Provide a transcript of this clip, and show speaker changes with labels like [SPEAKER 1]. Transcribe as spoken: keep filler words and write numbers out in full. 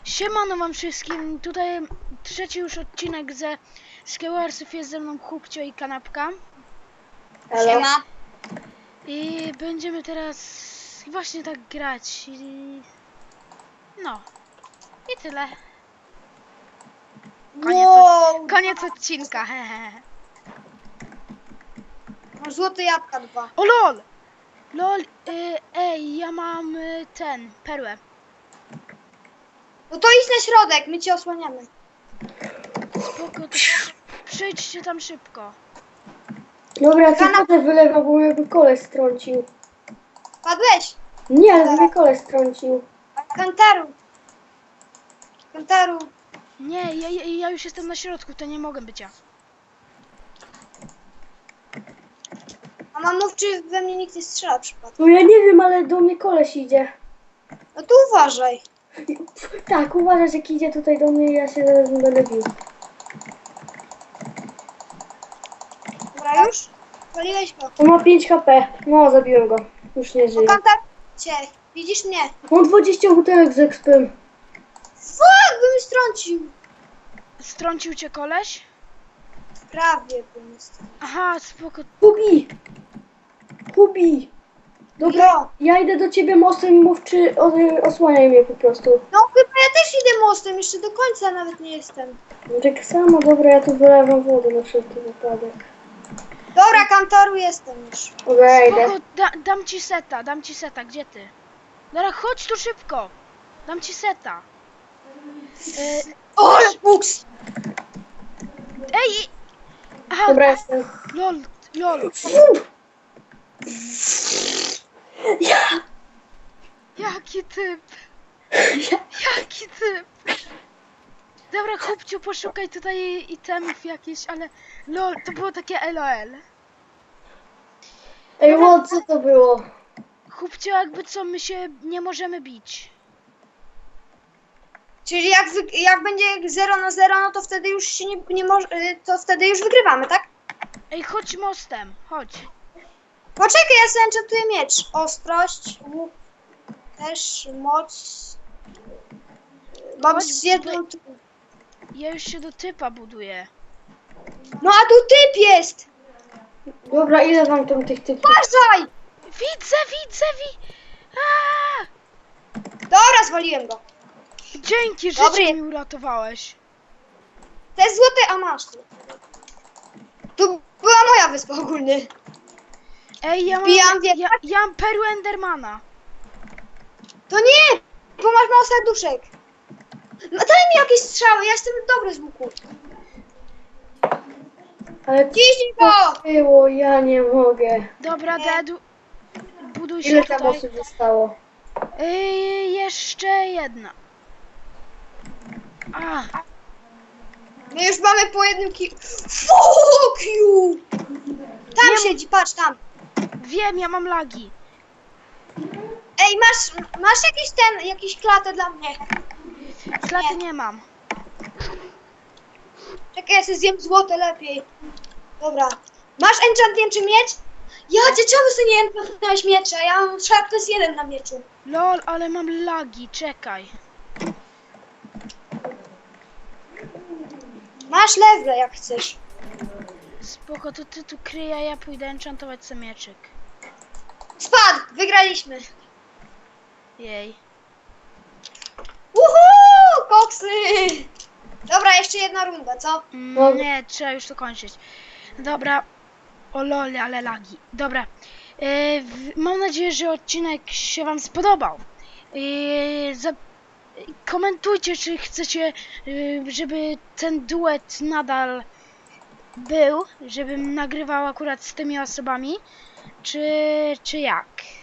[SPEAKER 1] Siemano wam wszystkim, tutaj trzeci już odcinek ze Skewarsów, jest ze mną Chłopcio i Kanapka.
[SPEAKER 2] Halo.
[SPEAKER 3] Siema.
[SPEAKER 1] I będziemy teraz właśnie tak grać i... No. I tyle. Koniec,
[SPEAKER 3] Wow.
[SPEAKER 1] od... Koniec odcinka, hehe.
[SPEAKER 3] Masz złote jabłka dwa.
[SPEAKER 1] O lol! Lol, y, ej, ja mam y, ten, perłę.
[SPEAKER 3] No to idź na środek, my cię osłaniamy.
[SPEAKER 1] Spoko, to przejdźcie tam szybko.
[SPEAKER 2] Dobra, co
[SPEAKER 3] Kana-
[SPEAKER 2] wodę wylewa, bo mnie koleś strącił.
[SPEAKER 3] Padłeś?
[SPEAKER 2] Nie, ale mnie koleś strącił.
[SPEAKER 3] Kantaru. Kantaru.
[SPEAKER 1] Nie, ja, ja, ja już jestem na środku, to nie mogę być ja.
[SPEAKER 3] A mam mów, czy we mnie nikt nie strzela przypadkiem.
[SPEAKER 2] No ja nie wiem, ale do mnie koleś idzie.
[SPEAKER 3] No to uważaj.
[SPEAKER 2] Tak, uważasz, jak idzie tutaj do mnie, ja się zaraz będę bił.
[SPEAKER 3] Dobra, już? Waliłeś go.
[SPEAKER 2] On ma pięć HP. No, zabiłem go. Już nie
[SPEAKER 3] O,
[SPEAKER 2] żyje.
[SPEAKER 3] Kantar cię. Widzisz mnie?
[SPEAKER 2] Mam dwadzieścia butelek z expem.
[SPEAKER 3] Fuck, by mi strącił.
[SPEAKER 1] Strącił cię koleś?
[SPEAKER 3] Prawie by mi strącił.
[SPEAKER 1] Aha, spoko.
[SPEAKER 2] Hubi! Hubi! Dobra,
[SPEAKER 3] Jo.
[SPEAKER 2] ja idę do ciebie mostem i mów, czy o, osłaniaj mnie po prostu.
[SPEAKER 3] No chyba ja też idę mostem, jeszcze do końca nawet nie jestem.
[SPEAKER 2] No tak samo, dobra, ja tu wylewam wodę na wszelki wypadek.
[SPEAKER 3] Dobra, Kantaru jestem już.
[SPEAKER 2] Dobra, idę.
[SPEAKER 1] Spoko, da, dam ci seta, dam ci seta, gdzie ty? Dobra, chodź tu szybko. Dam ci seta. Y,
[SPEAKER 3] O, buks!
[SPEAKER 1] ej! Aha,
[SPEAKER 2] Dobra, jestem.
[SPEAKER 1] lol, lol.
[SPEAKER 2] Ja!
[SPEAKER 1] Jaki typ? Jaki typ? Dobra, chłopciu, poszukaj tutaj itemów jakieś, ale lol, to było takie LOL.
[SPEAKER 2] Ej, o, co to było?
[SPEAKER 1] Chłopciu, jakby co, my się nie możemy bić.
[SPEAKER 3] Czyli jak, wy, jak będzie zero na zero, no to wtedy już się nie, nie może, to wtedy już wygrywamy, tak?
[SPEAKER 1] Ej, chodź mostem, chodź.
[SPEAKER 3] Poczekaj, ja sobie enchantuję miecz. Ostrość, łuk, też moc. Mam
[SPEAKER 1] Chodź
[SPEAKER 3] z jedną...
[SPEAKER 1] Ja już się do typa buduję.
[SPEAKER 3] No a tu typ jest!
[SPEAKER 2] Dobra, ile wam tam tych typów?
[SPEAKER 3] Uważaj!
[SPEAKER 1] Widzę, widzę, wi... Aaa!
[SPEAKER 3] Dobra, zwaliłem go.
[SPEAKER 1] Dzięki,
[SPEAKER 3] Dobry.
[SPEAKER 1] życie mi uratowałeś.
[SPEAKER 3] Te złote, a masz tu. Tu była moja wyspa ogólnie.
[SPEAKER 1] Ej, ja mam,
[SPEAKER 3] Wbijam wie-
[SPEAKER 1] ja, ja mam perłę Endermana.
[SPEAKER 3] To nie! Bo masz mało serduszek. No daj mi jakieś strzały, ja jestem dobry z łuku.
[SPEAKER 2] Ale
[SPEAKER 3] Ciśnij go!
[SPEAKER 2] co było? Ja nie mogę.
[SPEAKER 1] Dobra,
[SPEAKER 3] Nie.
[SPEAKER 1] Dedu. Buduj się
[SPEAKER 2] Ile tam
[SPEAKER 1] tutaj.
[SPEAKER 2] osób zostało?
[SPEAKER 1] Ej, jeszcze jedna. A,
[SPEAKER 3] My już mamy po jednym ki... Fuck you! Tam
[SPEAKER 1] Nie-
[SPEAKER 3] siedzi, patrz tam.
[SPEAKER 1] wiem, ja mam lagi.
[SPEAKER 3] Ej, masz, masz jakiś ten, jakiś klatę dla mnie?
[SPEAKER 1] Klaty nie mam.
[SPEAKER 3] Czekaj, ja sobie zjem złote lepiej. Dobra. Masz enchantnięty miecz? Ja cię czemu sobie nie enchantowałeś miecza? Ja mam sharpness jeden na mieczu.
[SPEAKER 1] Lol, ale mam lagi, czekaj.
[SPEAKER 3] Masz lewle jak chcesz.
[SPEAKER 1] Spoko, to ty tu kryj, a ja pójdę enchantować sobie mieczyk.
[SPEAKER 3] Spadł! Wygraliśmy.
[SPEAKER 1] Jej.
[SPEAKER 3] Uhu! Koksy! Dobra, jeszcze jedna runda, co?
[SPEAKER 1] Mm, nie, trzeba już to kończyć. Dobra. O lol, ale lagi. Dobra. Yy, w- mam nadzieję, że odcinek się wam spodobał. Yy, za, komentujcie, czy chcecie, yy, żeby ten duet nadal był, żebym nagrywał akurat z tymi osobami, czy, czy jak.